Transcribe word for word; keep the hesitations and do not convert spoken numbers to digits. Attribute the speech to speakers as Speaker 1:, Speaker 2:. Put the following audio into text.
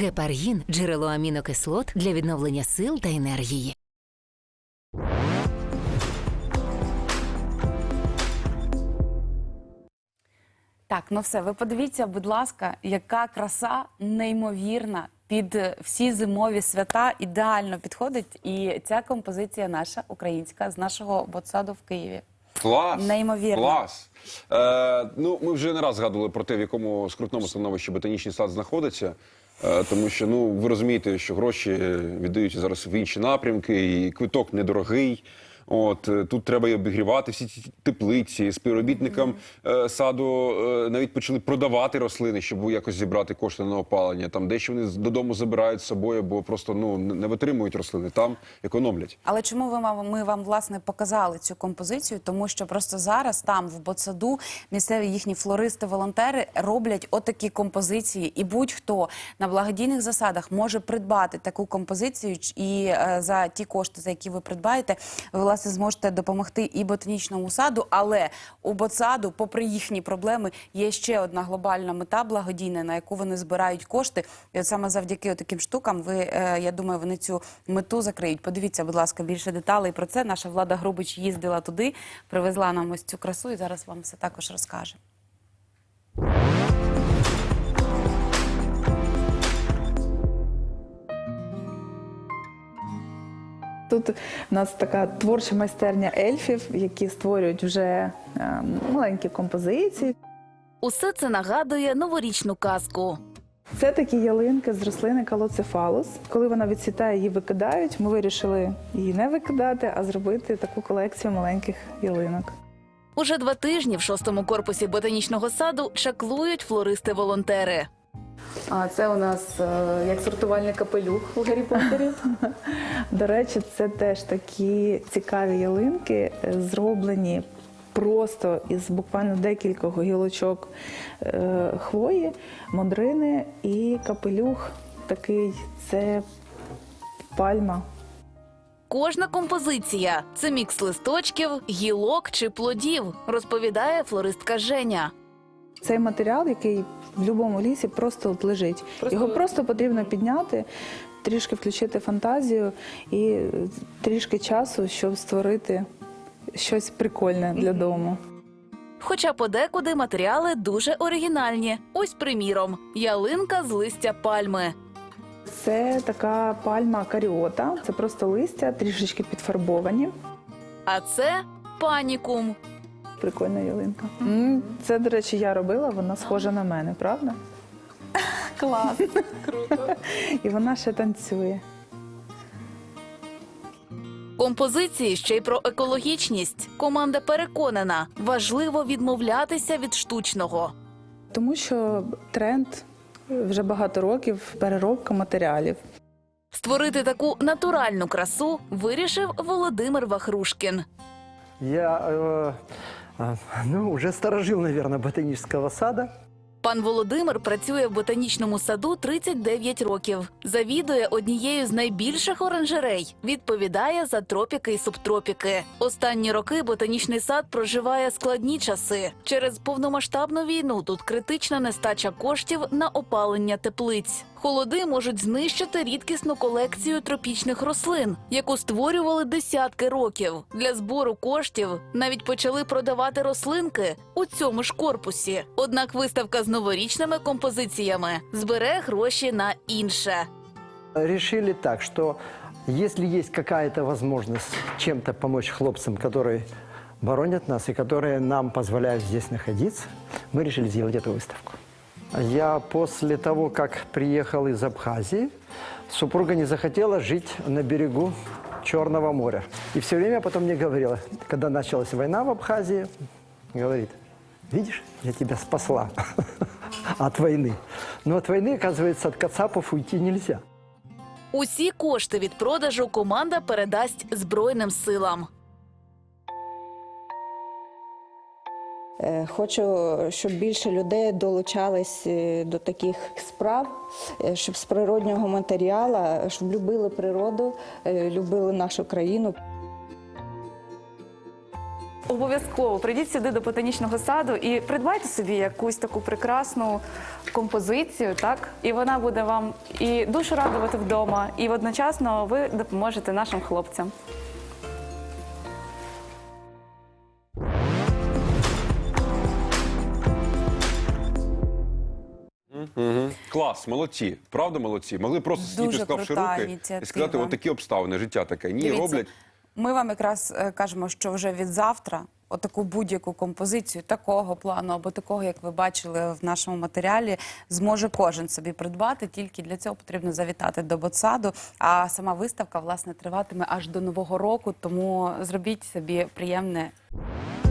Speaker 1: Гепаргін – джерело амінокислот для відновлення сил та енергії.
Speaker 2: Так, ну все, ви подивіться, будь ласка, яка краса неймовірна. Під всі зимові свята ідеально підходить. І ця композиція наша, українська, з нашого ботсаду в Києві.
Speaker 3: Клас!
Speaker 2: Неймовірно.
Speaker 3: Клас! Е, ну, ми вже не раз згадували про те, в якому скрутному становищі ботанічний сад знаходиться. Е, тому що, ну, ви розумієте, що гроші віддають зараз в інші напрямки, і квиток недорогий. От, тут треба і обігрівати всі ці теплиці, співробітникам mm-hmm. е, саду е, навіть почали продавати рослини, щоб якось зібрати кошти на опалення. Там дещо вони додому забирають з собою, бо просто ну, не витримують рослини, там економлять.
Speaker 2: Але чому ви, ми вам, власне, показали цю композицію? Тому що просто зараз там, в ботсаду, місцеві їхні флористи-волонтери роблять отакі композиції. І будь-хто на благодійних засадах може придбати таку композицію, і е, за ті кошти, за які ви придбаєте, ви, власне, зможете допомогти і ботанічному саду, але у ботсаду, попри їхні проблеми, є ще одна глобальна мета благодійна, на яку вони збирають кошти. І от саме завдяки таким штукам, ви, я думаю, вони цю мету закриють. Подивіться, будь ласка, більше деталей про це. Наша Влада Грубич їздила туди, привезла нам ось цю красу і зараз вам все також розкаже.
Speaker 4: Тут у нас така творча майстерня ельфів, які створюють вже е, маленькі композиції.
Speaker 5: Усе це нагадує новорічну казку.
Speaker 4: Це такі ялинки з рослини калоцефалус. Коли вона відцвітає, її викидають. Ми вирішили її не викидати, а зробити таку колекцію маленьких ялинок.
Speaker 5: Уже два тижні в шостому корпусі ботанічного саду чаклують флористи-волонтери.
Speaker 4: А це у нас е, як сортувальний капелюх у Гаррі Поттері. До речі, це теж такі цікаві ялинки, зроблені просто із буквально декількох гілочок е, хвої, мондрини, і капелюх такий – це пальма.
Speaker 5: Кожна композиція – це мікс листочків, гілок чи плодів, розповідає флористка Женя.
Speaker 4: Цей матеріал, який в будь-якому лісі просто от лежить. Просто... Його просто потрібно підняти, трішки включити фантазію і трішки часу, щоб створити щось прикольне для дому.
Speaker 5: Хоча подекуди матеріали дуже оригінальні. Ось, приміром, ялинка з листя пальми.
Speaker 4: Це така пальма каріота, це просто листя, трішечки підфарбовані.
Speaker 5: А це панікум.
Speaker 4: Прикольна ялинка. Це, до речі, я робила, вона схожа на мене, правда?
Speaker 2: Клас! Круто!
Speaker 4: І вона ще танцює.
Speaker 5: Композиції ще й про екологічність. Команда переконана, важливо відмовлятися від штучного.
Speaker 4: Тому що тренд вже багато років – переробка матеріалів.
Speaker 5: Створити таку натуральну красу вирішив Володимир Вахрушкін.
Speaker 6: Я, э, э, ну, уже сторожил, наверное, ботанического сада.
Speaker 5: Пан Володимир працює в ботанічному саду тридцять дев'ять років. Завідує однією з найбільших оранжерей. Відповідає за тропіки і субтропіки. Останні роки ботанічний сад проживає складні часи. Через повномасштабну війну тут критична нестача коштів на опалення теплиць. Холоди можуть знищити рідкісну колекцію тропічних рослин, яку створювали десятки років. Для збору коштів навіть почали продавати рослинки у цьому ж корпусі. Однак виставка з новорічними композиціями збере гроші на інше.
Speaker 6: Решили так, что если есть какая-то возможность чем-то помочь хлопцам, которые боронят нас и которые нам позволяют здесь находиться, мы решили сделать эту выставку. Я после того, как приехал из Абхазии, супруга не захотела жить на берегу Черного моря. И все время потом мне говорила, когда началась война в Абхазии, говорит: видишь, я тебя спасла от войны. Но от войны, оказывается, от кацапов уйти нельзя.
Speaker 5: Усі кошти від продажу команда передасть Збройним силам.
Speaker 7: Хочу, щоб більше людей долучались до таких справ, щоб з природнього матеріалу, щоб любили природу, любили нашу країну.
Speaker 4: обов'язково прийдіть сюди до ботанічного саду і придбайте собі якусь таку прекрасну композицію, так? І вона буде вам і душу радувати вдома, і одночасно ви допоможете нашим хлопцям.
Speaker 3: Угу. Клас, молодці. Правда, молодці. Могли просто сидіти,
Speaker 2: Дуже
Speaker 3: склавши
Speaker 2: крута
Speaker 3: руки і
Speaker 2: ініціатива.
Speaker 3: сказати, от такі обставини, життя таке. Ні,
Speaker 2: Дивіться,
Speaker 3: роблять.
Speaker 2: Ми вам якраз е, кажемо, що вже від завтра отаку будь-яку композицію такого плану або такого, як ви бачили в нашому матеріалі, зможе кожен собі придбати. Тільки для цього потрібно завітати до ботсаду. А сама виставка, власне, триватиме аж до Нового року, тому зробіть собі приємне